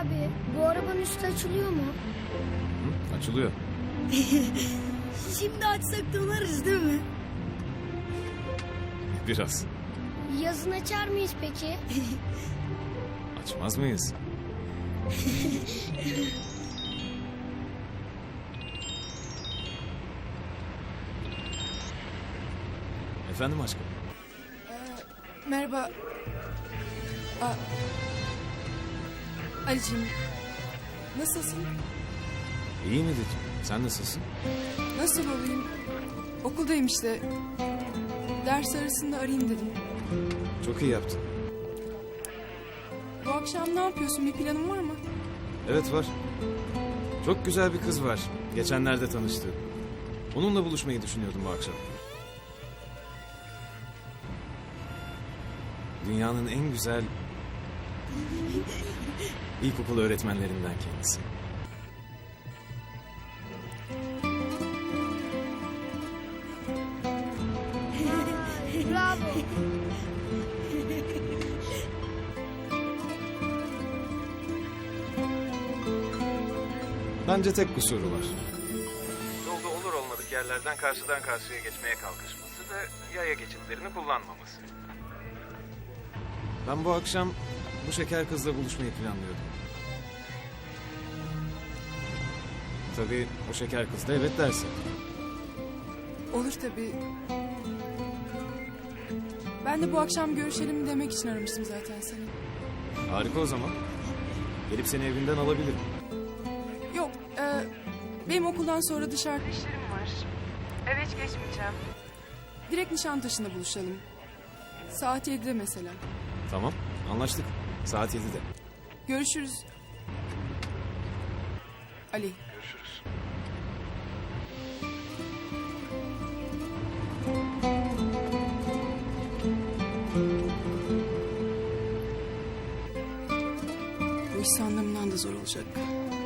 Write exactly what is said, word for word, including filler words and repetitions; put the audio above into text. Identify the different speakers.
Speaker 1: abi, bu arabanın üstü açılıyor mu?
Speaker 2: Hı, açılıyor.
Speaker 3: Şimdi açsak donarız değil mi?
Speaker 2: Biraz.
Speaker 1: Yazın açar mıyız peki?
Speaker 2: Açmaz mıyız? Efendim aşkım?
Speaker 4: Merhaba. Aa, Ali'cim, nasılsın?
Speaker 2: İyi mi dedim. Sen nasılsın?
Speaker 4: Nasıl olayım? Okuldayım işte. Ders arasında arayayım dedim.
Speaker 2: Çok iyi yaptın.
Speaker 4: Bu akşam ne yapıyorsun? Bir planın var mı?
Speaker 2: Evet var. Çok güzel bir kız var. Geçenlerde tanıştım. Onunla buluşmayı düşünüyordum bu akşam. Dünyanın en güzel ilkokul öğretmenlerinden kendisi.
Speaker 1: Bravo.
Speaker 2: Bence tek kusuru var. Yolda olur olmadık yerlerden karşıdan karşıya geçmeye kalkışması ve yaya geçitlerini kullanmaması. Ben bu akşam bu şeker kızla buluşmayı planlıyordum. Tabii o şeker kız da evet derse.
Speaker 4: Olur tabii. Ben de bu akşam görüşelim demek için aramıştım zaten seni.
Speaker 2: Harika o zaman. Gelip seni evinden alabilirim.
Speaker 4: Yok, e, benim okuldan sonra dışarıda
Speaker 5: İşlerim var. Eve hiç geçmeyeceğim.
Speaker 4: direkt Nişantaşı'nda buluşalım. Saat yedide mesela.
Speaker 2: Tamam, anlaştık. Saat yedide.
Speaker 4: Görüşürüz. Ali.
Speaker 2: Görüşürüz.
Speaker 4: Bu iş sandığımdan da zor olacak.